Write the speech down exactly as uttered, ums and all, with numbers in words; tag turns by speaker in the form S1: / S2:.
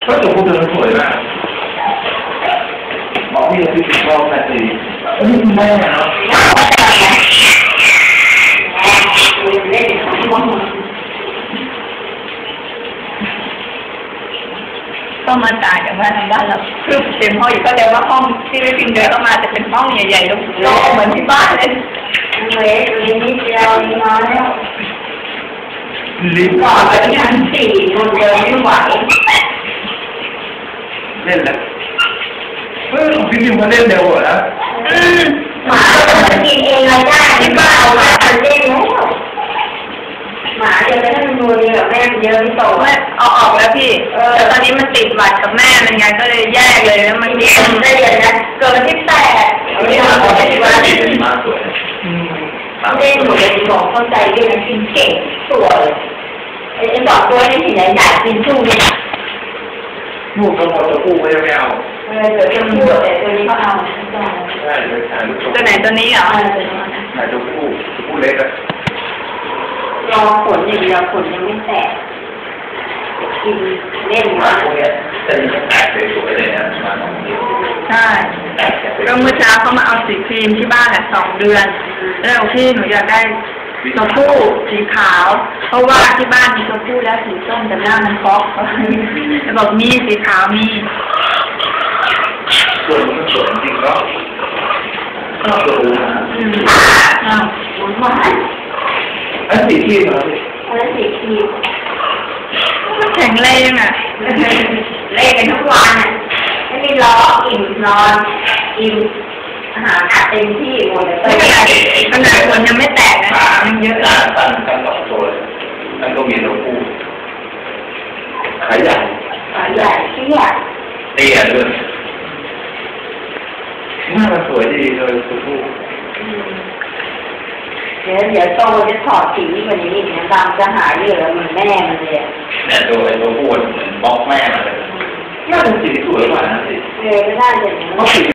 S1: ก็ตัวผู้เดินสวยมากบอกพี่จะติดกล้องแต่สิอันนี้คุณแม่เนาะ
S2: ก็มาต่างจากบ้านทางบ้านเราคือเต็มห้องอยู่ก็เลยว่าห้องที่ไม่พิมพ์เดินเข้ามาจะเป็นห้องใหญ่ๆโล่งๆเหมือนที่บ้านเลย
S3: เล็กนิดเดียวน้อยแล้ว
S1: ลิฟต์
S3: ก่อนไปชั้นสี่คนเดินไม่ไหว
S1: เล่นแล้วเฮ้ยพี่พิมพ์มาเล่นเร็วเหรอนะ
S3: หมาจะกินเองอะไรได้ที่บ้านเอามาเล่นแล้วหมาเดี๋ยวแล้วมันนัวเดียวแม่เยอะไม่โต
S2: แม่เอาออกแล้วพี่แต่ตอนนี้มันติดหวัดกับแม่มันไงก็เลยแยกเลยแล้วมันแยก
S3: ได้เลยนะเกิดวันที่แปด
S1: เอาที่มาเอาที่มาดีมากสวย
S3: เล่นหนูเลยบอกเข้าใจด้วยนะกินเก่งสวยไอ้สองตัวนี้ที่ไหนอยากกินสู้เลย
S1: ลูกก็หมดตัวผู้ไม่ไม่เอา
S3: เออเดี๋ยวจะพูดแต่ตัวนี้เขาเอา
S1: ใช่เลยถ่ายลูก
S2: ตัวไหนตัวนี้เหรอ
S1: ถ่ายตัวผู้ผู้เล็กอะ
S3: รอผลอย่างเดียวผลยังไม่แตกกินเล่น
S1: มาพวกนี้จะมีแตกสวยๆเลยนะมาสองที
S2: ใช่ก็เมื่อเช้าเขามาเอาสีครีมที่บ้านอ่ะสองเดือนแล้วพี่หนูอยากได้ตัวผู้สีขาวเพราะว่าที่บ้านมีตัวผู้แล้วสีส้มแต่หน้ามันฟอกแล้วบอกมีสีขาวมี
S1: ส่วนมันสวยจริงก็ก็สวยนะ
S2: อืมอ้าว
S3: หวาน
S1: อันสีครีมเหรอ
S3: อันสีครีม
S2: มันแข็งแรงอ่ะ
S3: เล่นกันทุกวันอ่ะไม่มีล้ออิ่มนอนอิ่มอาหารอัดเต็มที่หมดเลย
S2: ขนาดคนยังไม่แตกนะยังเยอะ
S1: ตั้งตั้งตั้งสองตัวตั้งก็มีตัวผู้ขายใหญ่
S3: ขายใหญ่เตี้ย
S1: เตี้ยด้วยหน้ามันสวยดีเลยตัวผู้
S3: เดี๋ยวเดี๋ยวโตจะถอดสีกว่านี้อีกนะดำจะหายเยอะเหมือนแม่มันเลย
S1: เนี่ยตัวไอ้ตัวผู้เหมือนบล็อกแม่มันเลยน่าเป็นสีสวยกว่านะสิ
S3: เออไม่ได้เลย